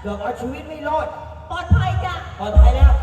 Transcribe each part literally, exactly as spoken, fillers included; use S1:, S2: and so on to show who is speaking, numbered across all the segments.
S1: กือบเอาชีวิตไม่รอด
S2: ปลอดภัยจ้ะ
S1: ปลอดภัยแล้ว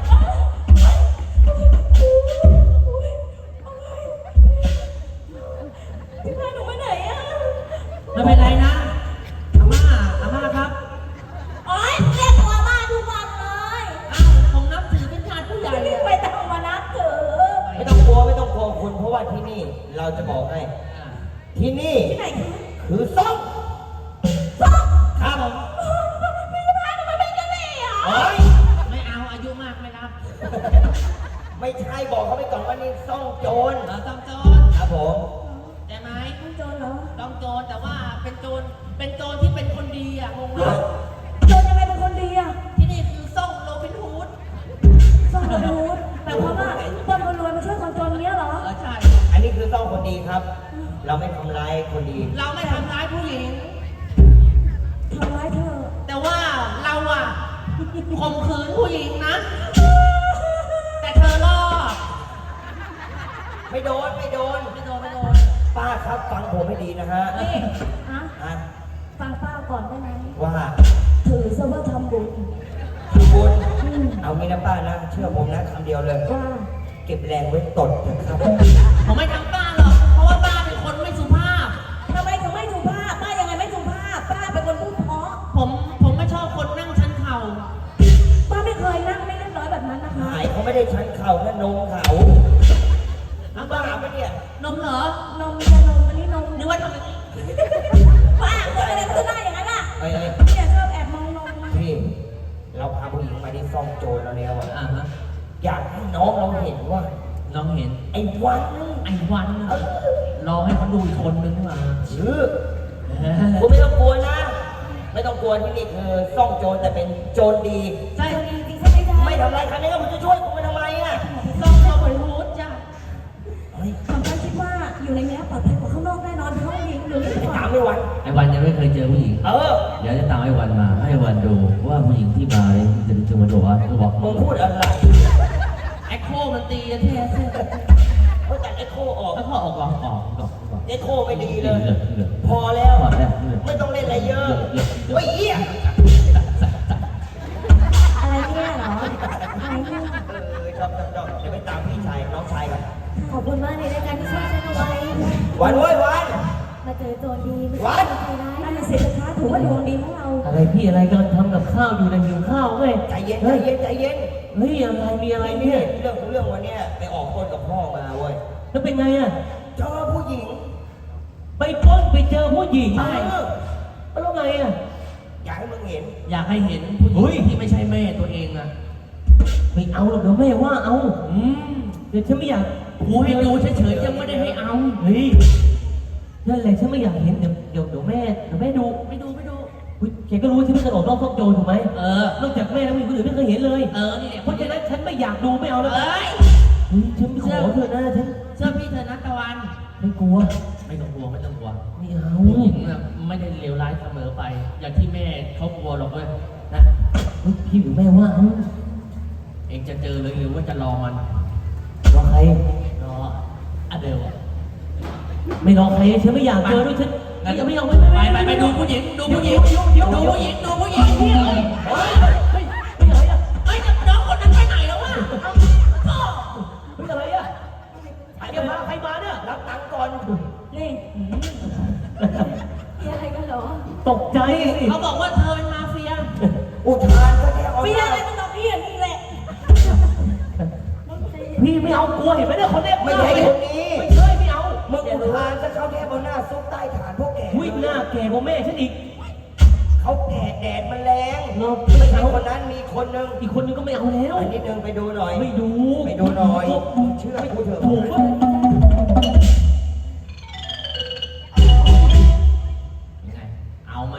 S2: พี่พาหนูไปไหนอ่ะ
S3: ไม่เป็นไรนะอาม่าอาม่าครับ
S2: โอ๊ยเรียกตัวอาม่าทุกวันเลย
S3: อ้าวผมนับถือเป็นชาติผู้ใหญ่เลย
S2: ไม่ต้องมานับถือ
S1: ไม่ต้องกลัวไม่ต้องกลัวคุณเพราะว่าที่นี่เราจะบอกให้ที่นี่
S2: ที่ไหน
S1: คือซ่อง
S2: ซ่อง
S1: ครับผม
S2: พี่พาทำไมเป็นกันนี่อ่ะ
S3: ไม่เอาอายุมากไม่รับ
S1: ไม่ใช่บอกเขาไปก่อนว่านี่ซ่องโจร
S3: เราต้องโจร
S1: ครับผม
S3: ใช่ไหม
S2: ต้องโจรเหรอ
S3: ต้องโจรแต่ว่าเป็นโจรเป็นโจรที่เป็นคนดีอ่ะงงไหม
S2: โจรยังไงเป็นคนดีอ่ะ
S3: ที่นี่คือซ่องโรบินฮูด
S2: ซ่องโรบินฮูดแต่เพราะว่าคนรวยมาช่วยคนจนเนี้ยเหรอ
S3: เออใช่
S1: อันนี้คือซ่องคนดีครับเราไม่ทำร้ายคนดี
S3: เราไม่ทำร้ายผู้หญิง
S2: ทำร้ายเธอ
S3: แต่ว่าเราอ่ะข่มขืนผู้หญิงนะแต่เธอรอด
S1: ไม่โดนไม่โดน
S3: ไม่โดนไม่โดน
S1: ป้าครับฟังผมให้ดีนะฮะ
S2: นี่ฮะ
S1: ฮะ
S2: ฟังป้าก่อนได้ไหม
S1: ว่า
S2: ถือซะว่าทำบุญ
S1: ทำบุญเอางี้นะป้านะเชื่อผมนะคำเดียวเลย
S2: ว่า
S1: เก็บแรงไว้ตดนะครับ
S3: ผมไม่ทำป้าหรอกเพราะว่าป้าเป็นคนไม่สุภาพ
S2: ทำไมถึงไม่สุภาพป้ายังไงไม่สุภาพป้าเป็นคนพูดเพราะ
S3: ผมผมไม่ชอบคนนั่งชันเข่า
S2: ป้าไม่เคยนั่งไม่เรียบร้อยแบบนั้นนะคะ
S1: หายเขาไม่ได้ชันเข่านะนมเขาน้ำบ้าปะเนี่ย
S3: นมเหรอน
S2: มจะนมอันนี้นม
S3: นึกว่าทำไม
S2: ป้าคนอะไรมันจะได้อย่างนั้นล่ะ
S1: เอ้ย
S2: เนี่ยชอบแอบมองนม
S1: พี่เราพาผู้หญิงมาที่ซ่องโจรเราแล้วอ่ะ
S3: ฮะ
S1: อยากให้น้องเราเห็นว่า
S3: น้องเห็น
S1: ไอ้วัน
S3: ไอ้วันรอให้เขาดูอีกคนนึงมา
S1: ชื่อคุณไม่ต้องกลัวนะไม่ต้องกลัวที่นี่คือซ่องโจรแต่เป็นโจรดี
S2: ใช่ดีจริงใช่ไหมจ๊ะ
S1: ไม่ทำไรใครไม่ก็ผมจะช่วยคุณไปทำไมอ่ะ
S3: ซ่องเราไปรูดจ้ะ
S2: ผมก็คิดว่าอยู่ในนี้ปลอดภัยกว่าข้างนอกแน่นอนเพราะว่ายิงอยู่นี่
S1: ถามไม่วัน
S4: ไอ้วันยังไม่เคยเจอผู้หญิง
S1: เออ
S4: เดี๋ยวจะตามไอ้วันมาให้วันดูว่าผู้หญิงที่มาเนี่ยจะจะมาดูว่าจะบอก
S1: มึงพูดอะไร
S3: ไอ้โคมันตีกันแท้
S1: เขาตัดไอ้โคออก
S3: ไอ้โคออกก่อนออกก่อน
S1: ไอ้โคไม่ดีเลยพอแล้วไม่ต้องเล่นอะไรเยอะไอ้เหี้ย
S2: อะไรเนี่ยเหรออะไรเนี่ย
S1: เออชอบชอบชอบเดี๋ยวไปตามพี่ชายน้องชายก่อน
S2: ขอบคุณมากในรายการที่ช่วยฉันเอาไว้
S1: วันเว้ยวัน
S2: มาเจอโจรดีไม่ใช่ใครร้ายนั่นแหละสิคะถือว่าดวงดีของเรา
S4: อะไรพี่อะไรกำลังทำกับข้าวอยู่ในหิวข้าวไง
S1: ใจเย็นใจเย็นใจเย็น
S4: เฮ้ยอะไรมีอะไรเนี่ย
S1: เรื่องของเรื่องวันนี้ไปออกคนกับพ่อมาเว้ย
S4: แล้วเป็นไงอ่ะ
S1: เจอผู้หญิง
S4: ไปปล้นไปเจอผู้หญิง
S1: ใช่
S4: แล้วไงอ่ะ
S1: อยากให้มึงเห็น
S3: อยากให้เห็นผู้หญิงที่ไม่ใช่แม่ตัวเองอ่ะ
S4: ไม่เอาหรอกเดี๋ยวแม่ว่าเอาอืมเดี๋ยวฉันไม่อยาก
S3: กูให้ดูเฉยๆยังไม่ได้ให้เอา
S4: เฮ้ยนั่นแหละฉันไม่อยากเห็นเดี๋ยวเดี๋ยวเดี๋ยวแม่เดี๋ยวแม่ดู
S3: ไม่ดูไม่ดู
S4: แกก็รู้ที่ไม่กระโดดรอบซ่องโจรถูกไหม
S3: เออน
S4: อกจากแม่แล้วมีคนอื่นไม่เคยเห็นเลย
S3: เออนี่แหละ
S4: เพราะฉะนั้นฉันไม่อยากดูไม่เอาแล้ว
S3: เฮ้ย
S4: ฉันขอเธอนะฉัน
S3: เชื่อพี่เธอนะตะวัน
S4: ไม่กลัว
S3: ไม่ต้องกลัวไม่ต้องกลัว
S4: ไม่เอา
S3: ผู้หญิงน่ะไม่ได้เลวร้ายเสมอไปอย่างที่แม่เขากลัวหรอกเว้ยนะ
S4: พี่หรือแม่ว่า
S3: เองจะเจอเลยหรือว่าจะรอมัน
S4: รอใคร
S3: รออเดลอะ
S4: ไม่รอใครฉันไม่อยากเจอด้วยฉันงั้นจะไม่เอาไม่
S3: ไปไปไปดูผู้หญิงดูผู้หญิงดูผู้หญิงดูผู้หญิงเฮ้ย
S4: เฮ้ยไม่อะไรอ่ะ
S3: เฮ้ยน้องคนนั้นไปไหนแล้ววะ
S4: พ่อเฮ้ยอะไรอ่ะใครมาใครมาเนี่ย
S1: รับตังค์ก่อน
S2: นี่มีอะไรกันเหรอ
S4: ตกใจ
S3: เขาบอกว่าเธอเป็นมาเฟีย
S1: อุทานก็แค่
S2: เฟียอะไรมันต้องเฟียนี่แหละ
S4: พี่ไม่เอากลัวเห็นไหมเนี่ยคนเนี้ย
S1: ไม่ใช่คนนี้
S4: ไม่ใช่ไม่เอา
S1: มึงอุทานจะเข้าแค่บนหน้าซุกใต้ฐานพวกแก
S4: วิ่งหน้าแก่กว่าแม่ฉันอีก
S1: เขาแก่แดดมันแรงไม่ใช่คนนั้นมีคนนึง
S4: อีกคนนึงก็ไม่เอาแล้ว
S1: อันนี้นึงไปดูหน่อย
S4: ไม่ดู
S1: ไปดูหน่อยเชื่อกูเถอะ
S4: ถูกป่ะ
S3: ยังไงเอาไหม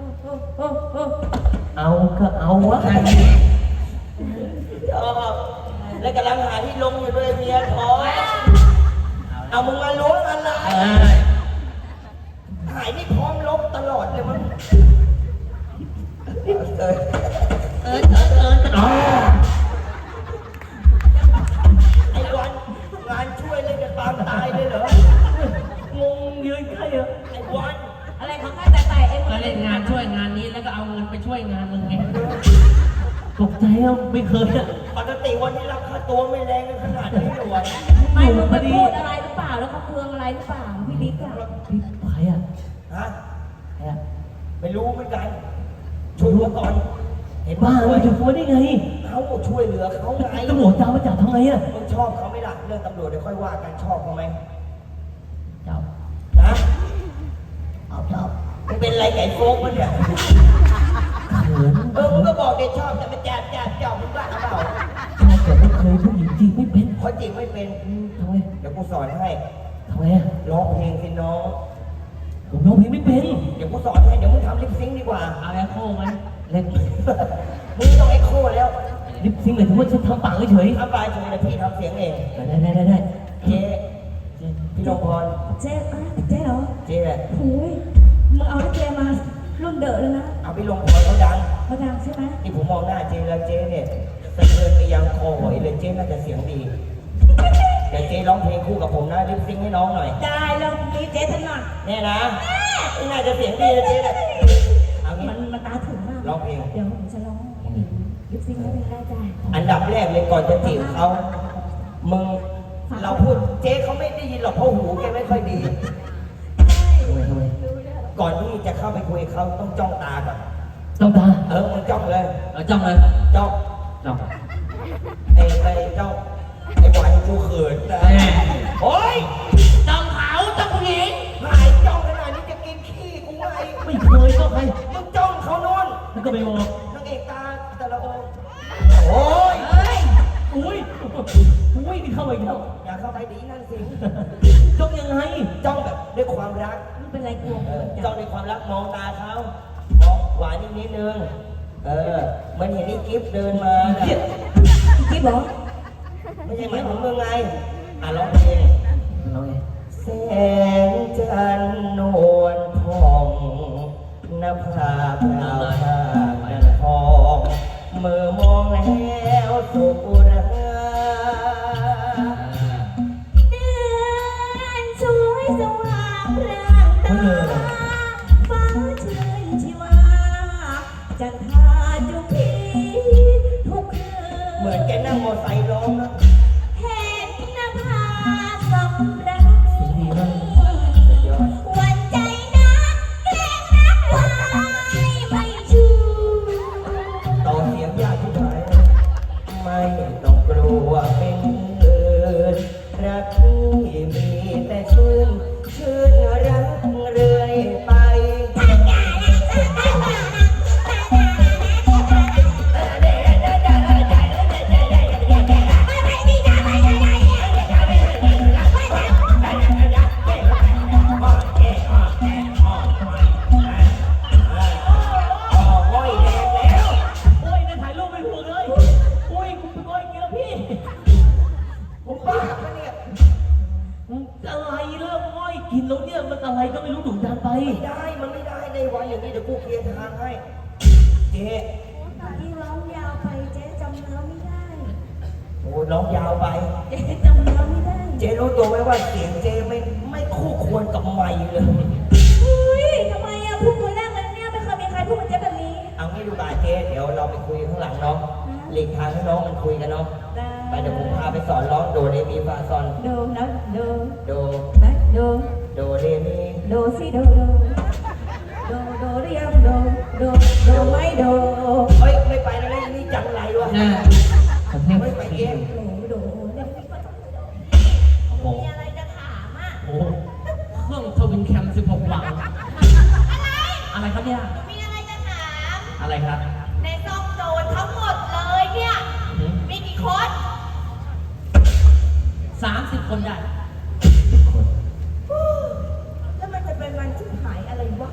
S4: เอาก็เอาวะ
S1: ชอบแล้วกำลังหาที่ลงอยู่ด้วยเมียท้อเอามึงมาล้วงอะไรหายนี่พร้อมลบตลอดเลยมึงเออ
S3: เออเออเออเออ
S1: ไอ้วันงานช่วยเลยจะตามตายเลยเหรอง
S4: งยืนใกล้อะ
S1: ไอ้วัน
S2: อะไรของข้าแต่แต่เอง
S3: อะไรล่นงานช่วยงานนี้แล้วก็เอาเงินไปช่วยงานมึงไง
S4: ตกใจอ่ะไม่เคยอ่ะ
S1: ปกติวันนี้รับค่าตัวไม่แรงกันขนาดนี้เลยวะ
S2: ไม่มึงไปพูดอะไรหรือเปล่าแล้วเขาเคืองอะไรหรือเปล่าพี่บิ๊กอะ
S4: พี่ใครอ่ะ
S1: ฮะ
S4: ใครอ่ะ
S1: ไม่รู้เหมือนกันช่วยมาก่อนเห็น
S4: บ้า
S1: ว่า
S4: เลยจะฟัวได้ไง
S1: เขาช่วยเหลือเขาไง
S4: ตำรวจตามมาจับทำไงอ่ะ
S1: มึงชอบเขาไหม่ล่ะเรื่องตำรวจเดี๋ยวค่อยว่ากันชอบเขาไหม
S4: จับ
S1: นะ
S4: เอาจับ
S1: มึงเป็นอะไรไก่โฟกมันเนี่ย
S4: เขิน
S1: เออมึงก็บอกเด็กชอบแต่มาแจบแจบเจ้ามึงบ้าเปล่า
S4: ชอบแต่ไม่เคยผู้หญิงจริงไม่เป็น
S1: เขาจริงไม่เป็น
S4: อืมทำไม
S1: เดี๋ยวกูสอนให้
S4: ทำไมอ่ะ
S1: ร้องเพลงสิน้อง
S4: ผมร้องเพลงไม่เป็น
S1: เดี๋ยวกูสอนให้เดี๋ยวมึงทำลิปซิงค์ดีกว่า
S3: เอาแอคโคไหม
S4: เล่น
S1: มึงต้องเอ็กโคแล้ว
S4: ลิปซิงค์เลยถือว่าฉันทำปากเฉย
S1: ถ้าปลายเฉยแต่พี่ทำเสียงเอง
S4: ๆได้ได้ได้ได้
S1: เจ๊พี่นพพร
S2: เจ๊อะเจ๊เหรอ
S1: เจ๊แหละ
S2: โอ้ยมึงเอาลิเกมารุ่นเดอะเลยนะ
S1: เอาพี่ลงพรเขาดัง
S2: มาดังใช่ไหม
S1: ที่ผมมองหน้าเจ๊แล้วเจ๊เนี่ยสะเทือนไปยังคอหอยเลยเจ๊น่าจะเสียงดีเดี๋ยวเจ๊ร้องเพลงคู่กับผมนะลิปซิงค์ให้น้องหน่อย
S2: ได้แล้วนี่เจ๊ถนัด
S1: แน่นะน่าจะเสียงดีนะเจ๊เนี่ยเอางี้
S2: มันมันตาถึงมาก
S1: ร้องเพลง
S2: เดี๋ยวผมจะร้องลิปซิงค์ไม่เป็นไรจ้ะ
S1: อันดับแรกเลยก่อนจะจีบเขามึงเราพูดเจ๊เขาไม่ได้ยินหรอกเพราะหูแกไม่ค่อยดี
S4: ทำไมทำไม
S1: ก่อนที่จะเข้าไปคุยกับเขาต้องจ้องตาก่อน
S4: ต้องตา
S1: เออมึงจ้องเลย
S3: เอาจ้องเลย
S1: จ้อง
S4: จ้อง
S1: ไอ้ไอ้จ้องไอ้บอยกูเขินนะโอ๊ย
S3: จ้องเขาจ้องผู้หญิง
S1: หายจ้องขนาดนี้จะกินขี้กูไง
S4: ไม่เคยก็ใคร
S1: มึงจ้องเขาโน่น
S4: แล้วก็ไปมอง
S1: นางเอกตาแต่ละองค์โอ้ย
S3: เฮ้ย
S4: อุ้ยอุ้ยนี่เข้าไปอีกแล้ว
S1: อย่าเข้าไปดีนั่นสิ
S4: จ้องยังไง
S1: จ้องแบบด้วยความรัก
S2: ไม่เป็นไรกลัว
S1: เออ
S2: จ้ะ
S1: จ้องด้วยความรักมองตาเขามองหวานนิดนิดนึงเออเหมันเห็นนี่กิฟต์เดินมาน่ะ
S2: กิ๊บเหรอ
S1: ไม่ใช่หมายถึงมึงไงอ่ะร้องเพลง
S4: น้องไง
S1: แสงจันทร์นวลทองนภาพราวพากันทองเมื่อมองแล้วสุขรา
S2: เดือนสวยสว่างร่างตาฟ้าชื่นชีวาจันทราจุพีทุกคืน
S1: เหมือนแกนั่งมอไซค์ร้องนะ
S2: เห็นนภาสำรัก
S4: ดีมาก
S2: วันใจนักแกล้งนักวายไม่ชู
S1: ต่อเสียงยากที่ไหนไม่ต้องกลัวเป็นอื่นรักที่มีแต่ชื่นชื่นรักเรื่อยไป
S4: โอ้ยเนี่ยถ่ายรูปไม่ถูกเลยอุ้ยกูเป็นก้อยกินแล้วพี่
S1: ผมบ้าปะเนี่ย
S4: อะไรเรื่องก้อยกินแล้วเนี่ยมันอะไรก็ไม่รู้ดุดันไป
S1: ไม่ได้ มันไม่ได้ในวันอย่างนี้เดี๋ยวกูเคลียร์ทางให้ เจ๊
S2: ที่ร้องยาวไปเจ๊จำเนื้อไม่ได้
S1: โอ้ร้องยาวไป
S2: เจ๊จำเนื้อไม่ได้
S1: เจ๊รู้ตัวไหมว่าเสียงเจ๊ไม่ไม่คู่ควรกับไมค์เลย
S2: เฮ้ยทำไมอะพูดคนแรกเลยเนี่ยไม่เคยมีใครพูดกับเจ๊แบบนี้
S1: เอางี้ดูบาเจ๊เดี๋ยวเราไปคุยข้างหลังเนาะหลีกทางให้น้องมันคุยกันเนาะ
S2: ได้
S1: ไปเดี๋ยวผมพาไปสอนร้องโดเรมีฟาซอน
S2: ดูนะดู
S1: โด
S2: นะดู
S1: โดเรมี
S2: ดูสิดูดูดูดูหรือยังดูดูดูไม่ดู
S1: เฮ้ยไม่ไปแล้วนี่จังไรวะ
S3: น่ะ
S4: ขอเทพ
S1: ไม่ไปเอง
S2: ดูดูเนี่ย
S4: โอ้โห
S2: มีอะไรจะถามอ่ะ
S4: โอ้โห
S3: เครื่องทวินแคมสิบหกวังอะไรครับเนี่ย
S2: มีอะไรจะถาม
S3: อะไรครับ
S2: ในซองโจรทั้งหมดเลยเนี่ย
S3: หืม
S2: มีกี่คน
S3: สามสิบคนได้
S4: คน
S2: แล้วมันจะเป็นวันที่หายอะไรวะ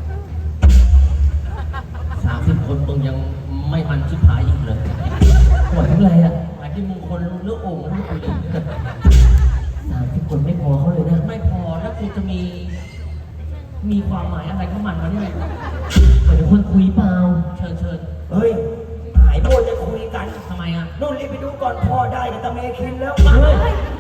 S3: สามสิบคนมึงยังไม่มันชิบหายอีกเลย
S4: หมดทั้งไรอ่ะ
S3: หมายที่มึงคนเลือกโอ่งแล้วกูเลย
S4: สามสิบคนไม่พอเขาเลยนะ
S3: ไม่พอแล้วกูจะมี มีความหมายอะไรของมันวะเนี่ย
S4: เหมือนคนคุยเปล่า
S3: เชิญเชิญ
S1: เฮ้ยหายโบจะคุยกัน
S3: ทำไมอ่ะ
S1: นู่นรีบไปดูก่อนพ่อได้กับตาเมคินแล้ว
S3: เฮ้ย
S2: เฮ้ย